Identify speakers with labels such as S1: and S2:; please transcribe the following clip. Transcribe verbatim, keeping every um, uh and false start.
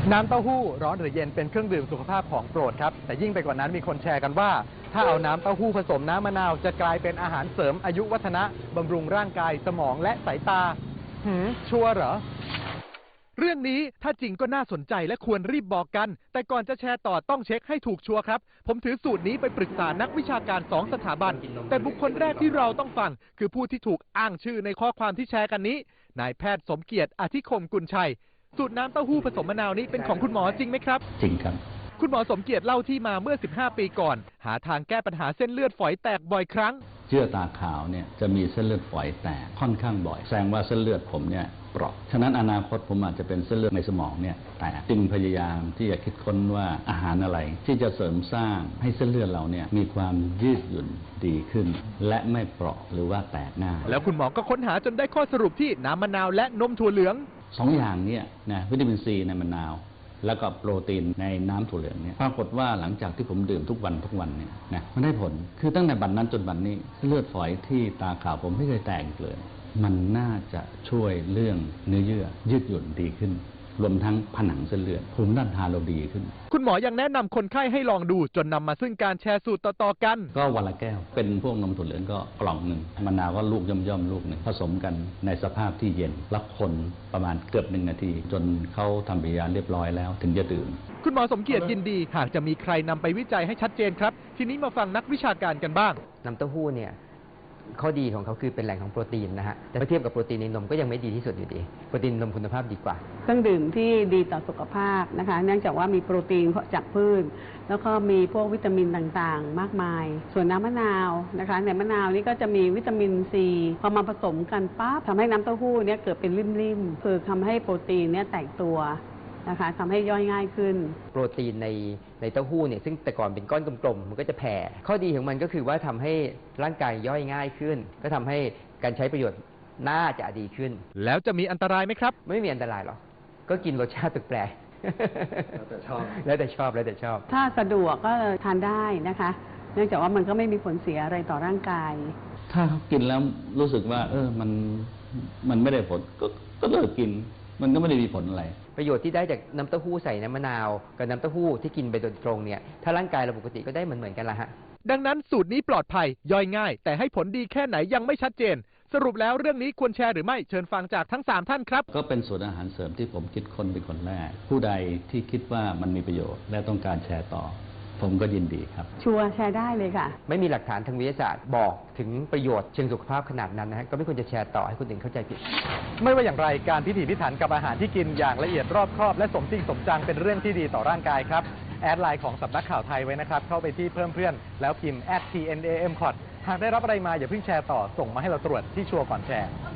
S1: น้ำเต้าหู้ร้อนหรือเย็นเป็นเครื่องดื่มสุขภาพของโปรดครับแต่ยิ่งไปกว่านั้นมีคนแชร์กันว่าถ้าเอาน้ำเต้าหู้ผสมน้ำมะนาวจะกลายเป็นอาหารเสริมอายุวัฒนะบำรุงร่างกายสมองและสายตาหืมชัวร์เหรอเรื่องนี้ถ้าจริงก็น่าสนใจและควรรีบบอกกันแต่ก่อนจะแชร์ต่อต้องเช็คให้ถูกชัวร์ครับผมถือสูตรนี้ไปปรึกษานักวิชาการสองสถาบันแต่บุคคลแรกที่เราต้องฟังคือผู้ที่ถูกอ้างชื่อในข้อความที่แชร์กันนี้นายแพทย์สมเกียรติอธิคมกุลชัยสูตรน้ำเต้าหู้ผสมมะนาวนี้เป็นของคุณหมอจริงไหมครับ
S2: จริงครับ
S1: คุณหมอสมเกียรติเล่าที่มาเมื่อสิบห้าปีก่อนหาทางแก้ปัญหาเส้นเลือดฝอยแตกบ่อยครั้ง
S2: เยื่อตาขาวเนี่ยจะมีเส้นเลือดฝอยแตกค่อนข้างบ่อยแสดงว่าเส้นเลือดผมเนี่ยเปราะฉะนั้นอนาคตผมอาจจะเป็นเส้นเลือดในสมองเนี่ยแตกจึงพยายามที่จะคิดค้นว่าอาหารอะไรที่จะเสริมสร้างให้เส้นเลือดเราเนี่ยมีความยืดหยุ่นดีขึ้นและไม่เปราะหรือว่าแตกง่าย
S1: แล้วคุณหมอก็ค้นหาจนได้ข้อสรุปที่น้ำมะนาวและนมถั่วเหลือง
S2: สองอย่างเนี่ยนะวิตามินซีในมะนาวแล้วก็โปรตีนในน้ำถั่วเหลืองเนี่ยปรากฏว่าหลังจากที่ผมดื่มทุกวันทุกวันเนี่ยนะมันได้ผลคือตั้งแต่บัดนั้นจนบัดนี้เลือดฝอยที่ตาขาวผมไม่เคยแตกเลยมันน่าจะช่วยเรื่องเนื้อเยื่อยืดหยุ่นดีขึ้นรวมทั้งผนังเส้นเลือดภูมิต้านทานเราดีขึ้น
S1: คุณหมอยังแนะนำคนไข้ให้ลองดูจนนำมาซึ่งการแชร์สูตรต่อๆกัน
S2: ก็วันละแก้วเป็นพวกนมถั่วเหลืองก็กล่องหนึ่งมะนาวก็ลูกย่อมๆลูกหนึ่งผสมกันในสภาพที่เย็นแล้วคนประมาณเกือบหนึ่งนาทีจนเขาทำปฏิกิริยาเรียบร้อยแล้วถึงจะดื่ม
S1: คุณหมอสมเกียรติยินดีหากจะมีใครนำไปวิจัยให้ชัดเจนครับทีนี้มาฟังนักวิชาการกันบ้าง
S3: น้ำเต้าหู้เนี่ยข้อดีของเขาคือเป็นแหล่งของโปรตีนนะฮะแต่เมื่อเทียบกับโปรตีนในนมก็ยังไม่ดีที่สุดอยู่ดีโปรตีนนมคุณภาพดีกว่า
S4: เครื่องดื่มที่ดีต่อสุขภาพนะคะเนื่องจากว่ามีโปรตีนจากพืชแล้วก็มีพวกวิตามินต่างๆมากมายส่วนน้ำมะนาวนะคะในมะนาวนี่ก็จะมีวิตามินซีพอมาผสมกันปั๊บทำให้น้ำเต้าหู้เนี่ยเกิดเป็นริ่มๆคือทำให้โปรตีนเนี่ยแตกตัวนะคะทำให้ย่อยง่ายขึ้น
S3: โปรตีนในในเต้าหู้เนี่ยซึ่งแต่ก่อนเป็นก้อนกลมๆมันก็จะแผ่ข้อดีของมันก็คือว่าทำให้ร่างกายย่อยง่ายขึ้นก็ทำให้การใช้ประโยชน์น่าจะดีขึ้น
S1: แล้วจะมีอันตรายไหมครับ
S3: ไม่มีอันตรายหรอกก็กินรสชาติแปลก
S1: แล้วแต่ชอบ
S3: แล้วแต่ชอบแล้วแต่ชอบ
S4: ถ้าสะดวกก็ทานได้นะคะเนื่องจากว่ามันก็ไม่มีผลเสียอะไรต่อร่างกาย
S2: ถ้าเขากินแล้วรู้สึกว่าเออมันมันไม่ได้ผลก็ก็เลิกกินมันก็ไม่ได้มีผลอะไร
S3: ประโยชน์ที่ได้จากน้ำเต้าหู้ใส่น้ำมะนาวกับน้ำเต้าหู้ที่กินไปโดยตรงเนี่ยถ้าร่างกายเราปกติก็ได้เหมือนเหมือนกันละฮะ
S1: ดังนั้นสูตรนี้ปลอดภัยย่อยง่ายแต่ให้ผลดีแค่ไหนยังไม่ชัดเจนสรุปแล้วเรื่องนี้ควรแชร์หรือไม่เชิญฟังจากทั้งสามท่านครับ
S2: ก็เป็นสูตรอาหารเสริมที่ผมคิดค้นเป็นคนแรกผู้ใดที่คิดว่ามันมีประโยชน์และต้องการแชร์ต่อผมก็ยินดีครับ
S4: ชัวร์แชร์ได้เลยค่ะ
S3: ไม่มีหลักฐานทางวิทยาศาสตร์บอกถึงประโยชน์เชิงสุขภาพขนาดนั้นนะฮะก็ไม่ควรจะแชร์ต่อให้คนอื่นเข้าใจผิด
S1: ไม่ว่าอย่างไรการพิถีพิถันกับอาหารที่กินอย่างละเอียดรอบคอบและสมจริงสมจังเป็นเรื่องที่ดีต่อร่างกายครับแอดไลน์ของสำนักข่าวไทยไว้นะครับเข้าไปที่เพิ่มเพื่อนแล้วพิมพ์ แอท ที เอ็น เอ เอ็ม ซี โอ ที หากได้รับอะไรมาอย่าเพิ่งแชร์ต่อส่งมาให้เราตรวจที่ชัวร์ก่อนแชร์